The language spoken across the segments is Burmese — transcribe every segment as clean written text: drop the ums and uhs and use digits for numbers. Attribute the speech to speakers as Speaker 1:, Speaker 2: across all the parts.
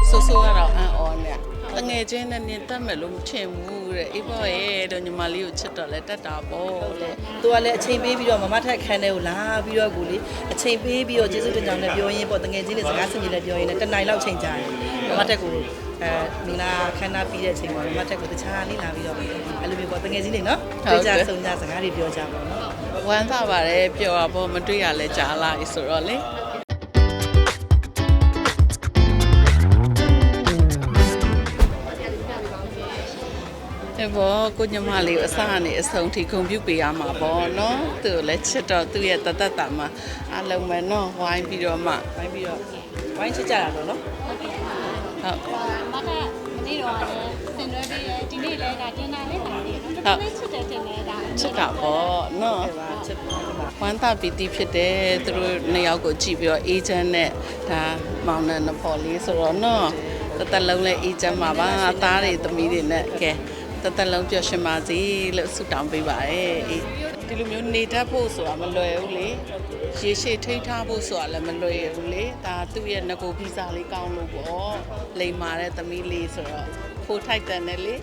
Speaker 1: ဆိုဆိုကတော့အန်အော်နဲ့တငယ်ချင်းနဲ့နင်တက်မယ်လို့မထင်ဘူးတဲ့အေးပေါ့ရဲ့တော့ညီမလေးကိုချစ်တော့လဲတက်တာပေါ့တဲ့
Speaker 2: သူကလည်းအချိန်ပေးပြီးတော့မမထက်ခန်းထဲကိုလာပြီးတော့ကိုလေအချိန်ပေးပြီးတော့ကျေးဇူးတင်ကြောင်းလည်းပြောရင်းပေါ့တငယ်ချင်းတွေစကားဆင်ပြေလည်းပြောရင်းနဲ့တစ်နိုင်လောက်ချိန်ကြာတယ်မမထက်ကိုမင်္ဂလာခန်းနာပြီးတဲ့အချိန်မှာမမထက်ကိုတခြားလေးလာပြီးတော့အဲ့လိုမျိုးပေါ့တငယ်ချင်းတွေနော်တွေ့ကြဆုံကြစကားတွေပြောကြပါတော့
Speaker 1: ဝမ်းသာပါတယ်ပျော်ပါပေါ့မတွေ့ရလဲကြားလာပြီဆိုတော့လေအဲ့ဘောကိုညီမလေးအစကနေအဆုံးထိဂုဏ်ပြုပေးရမှာပေါ့နော်သူလည်းချစ်တော့သူ့ရဲ့တသက်တာမှာအလုံးမဲ့နော်ဝိုင်းပြီးတော့မှ
Speaker 2: ဝိုင်းချစ်ကြတာတော့နော်
Speaker 1: ဟုတ်
Speaker 3: မကမနေ့တော့လည်းဆင်နွှဲပေးတယ်ဒီနေ့လည်းဒါတင်တာလေးပါလေနော်တော်တော်လေးချစ်တယ်တင်တယ်ဒါ
Speaker 1: ချစ်တာပေါ့နော်
Speaker 2: အဲ့ပါချစ်ပါ
Speaker 1: ဝမ်းသာပီတိဖြစ်တယ်သူတို့နှစ်ယောက်ကိုကြည့်ပြီးတော့အေဂျင့်နဲ့ဒါမောင်နှံနဖော်လေးဆိုတော့နော်တစ်သက်လုံးလည်းအေဂျင့်မှာပါသားတွေသမီးတွေနဲ့ကဲတစ်သက်လုံးပျော်ရွှင်ပါစေလို့ဆုတောင်းပေးပါရစေဒီလိုမျိုးနေတတ်ဖို့ဆိုတာမလွယ်ဘူးလေရေရှည်ထိန်းထားဖို့ဆိုတာလည်းမလွယ်ဘူးလေဒါသူ့ရဲ့ငကိုဗီဇာလေးကောင်းလို့ပေါ့လိမ်မာတဲ့သမီးလေးဆိုတော့ဖိုးထိုက်တယ်နဲ့လေ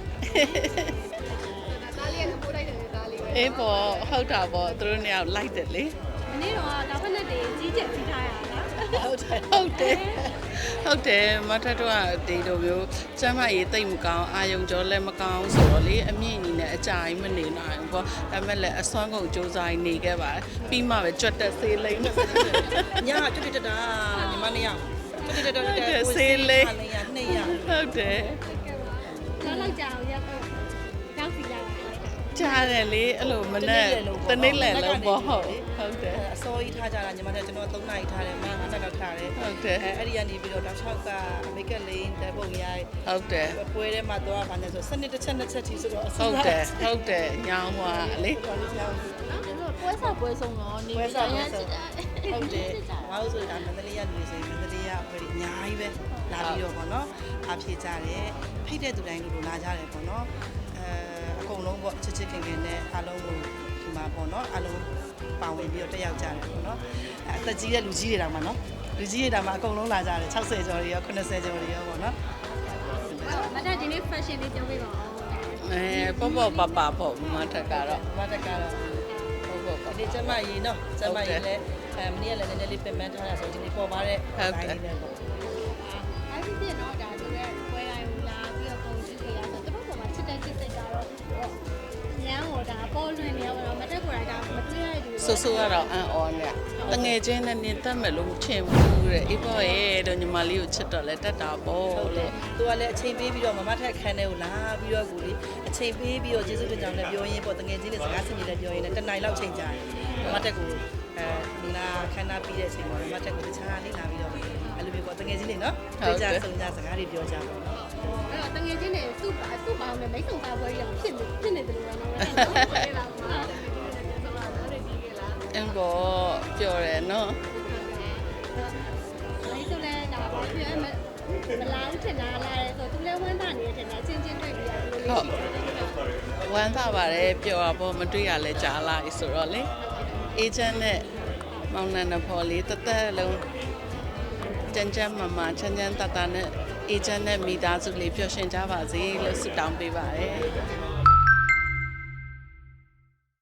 Speaker 3: ဒါလေးကပို့လိုက်တယ်ဒါလေးပဲ
Speaker 1: အေးပေါ့ဟုတ်တာပေါ့သူတို့နှစ်ယောက်လိုက်တယ်လေ
Speaker 3: မနေ့တော့ဒါဖက်နဲ့တည်းကြီးကျယ်ကြီးထားရတာနော်
Speaker 1: ဟုတ်တယ်မထက်တော့ဒီလိုမျိုးကျမ်းမရေးတိတ်မကောင်းအာယုံကြောလည်းမကောင်းဆိုတော့လေအမြင့်ကြီးနဲ့အကြာကြီးမနေနိုင်ဘူးပေါ့ဒါပေမဲ့လည်းအစွမ်းကုန်စူးစမ်းနေခဲ့ပါတယ်ပြီးမှပဲကြွတ်တက်ဆေးလိမ့်မယ်
Speaker 2: ညကတွတ်တက်တာညီမနှစ်ယောက်တွတ်တက်
Speaker 1: ဆေးလိမ့်
Speaker 2: နှစ်ယောက်
Speaker 1: ဟုတ်တယ်
Speaker 3: တော့လောက်ကြအောင်ရောက်ရောက်စီလာတာ
Speaker 1: ကြားတယ်လေအဲ့လိုမနဲ့တနေ့လည်းလုံးပေါ့ဟုတ်တယ်
Speaker 2: အစိုးရထားကြတာညီမတို့ကျွန်တော်3နာရီထားတယ်မ9နာရီလောက်ထားတယ်
Speaker 1: ဟုတ်တယ်
Speaker 2: အဲ့ဒီကနေပြီးတော့နောက်6ကမိတ်ကလေးတဲပုံရိုက်
Speaker 1: ဟုတ်တယ်
Speaker 2: ပွဲထဲမှာတော့ဗာနေဆိုစနစ်တစ်ချက်နှစ်ချက်ထိဆိုတော့
Speaker 1: ဟုတ်တယ်ညောင်းသွားလေ
Speaker 3: နော်ပွဲစားပွဲဆုံးတော့နေ
Speaker 2: ပွဲစားပွဲ
Speaker 3: ချ
Speaker 2: ဆို
Speaker 3: စ်တာ
Speaker 2: ဟုတ်တယ်ငါတို့ဆိုတာမန္တလေးကနေဆိုရင်မန္တလေးကပွဲအများကြီးပဲလာပြီးတော့ပေါ့နော်အားဖြည့်ကြတယ်ဖိတ်တဲ့သူတိုင်းလိုလာကြတယ်ပေါ့နော်အကုန်လုံးပေါ့ချစ်ချစ်ခင်ခင်နဲ့အားလုံးကိုဒီမှာပေါ့နော်အားလုံးပါဝင်ပြီးတော့တက်ရောက်ကြတယ်ပေါ့နော်အသက်ကြီးတဲ့လူကြီးတွေတောင်မှနော်လူကြီးတွေတောင်မှအကုန်လုံးလာကြတယ်60ကျော်တွေရော80ကျော်တွေရောပေါ့နော်
Speaker 3: မတဒီနေ့ fashion လေးပြောပြပါဦး
Speaker 1: ပေါ့ပေါ့ပပပေါ့မထက်ကတော့
Speaker 2: မတက်ကတော့
Speaker 1: ပေါ့ပေါ့ပပ
Speaker 2: ဒီကျမကြီးနော်ကျမကြီးလည်းမနေ့ကလည်းနည်းနည်းလေးပြင်ပန်းထားတာဆိုဒီနေ့ပေါ်ပါတဲ့ line လေးနဲ့ပေါ့
Speaker 3: အဲ့ဒီပြတော့ဒါသူရဲ့ပွဲတိုင်းကိုလာပြီးတော့ပုံကြည့်ရဆိုတော့ပေါ်မှာချစ်တဲ့ချစ်စိတ်ကြတော့ညံဟောဒါပေါ်လွင်နေရောမတက်ကိုယ်တိုင်ဒါမတွေ့ရတဲ့
Speaker 1: ဆိုဆိုကတော့အန်အော်နဲ့တငယ်ချင်းနဲ့နင်တက်မယ်လို့မထင်ဘူးတဲ့အေးပေါ့ရဲ့တော့ညီမလေးကိုချစ်တော့လဲတက်တာပေါ့
Speaker 2: ဟုတ်တယ်
Speaker 1: လို့
Speaker 2: သူကလည်းအချိန်ပေးပြီးတော့မမထက်ခန်းထဲကိုလာပြီးတော့ကိုလေအချိန်ပေးပြီးတော့ကျေးဇူးတင်ကြောင်းလည်းပြောရင်းပေါ့တငယ်ချင်းတွေစကားဆင်ပြေလည်းပြောရင်းနဲ့တစ်နိုင်လောက်ချိန်ကြာတယ်မမထက်ကိုမင်္ဂလာခန်းနာပြီးတဲ့အချိန်မှာမမထက်ကိုတခြားလေးလာပြီးတော့အဲ့လိုမျိုးပေါ့တငယ်ချင်းတွေနော်တွေ့ကြဆုံကြစကားတွေပြောကြပါတော့
Speaker 3: အဲ့တော့တငယ်ချင်းတွေသူ့ပေါင်းနဲ့မိတ်ဆုံပါပွဲရောဖြစ်နေတယ်လို့နော်ပွဲလာမှာ
Speaker 1: အင်းပေါ့ပြောတယ်နော်
Speaker 3: အဲ့ဆိုလဲဒါဘာဖြစ်မလာဦးထင်တာလားဆိုသူလည်းဝမ်းသာနေတယ်ထင်တာချင်းချင်းတွေ့ပြီးရတယ်လို့
Speaker 1: ဟုတ်ဝမ်းသာပါတယ်ပျော်ပါပေါ့မတွေ့ရလဲကြားလာပြီဆိုတော့လေအေဂျင့်နဲ့မောင်နှံနဖော်လေးတသက်လုံးကြမ်းကြမ်းမာမာချမ်းချမ်းတတနဲ့အေဂျင့်နဲ့မိသားစုလေးပျော်ရွှင်ကြပါစေလို့ဆုတောင်းပေးပါတယ်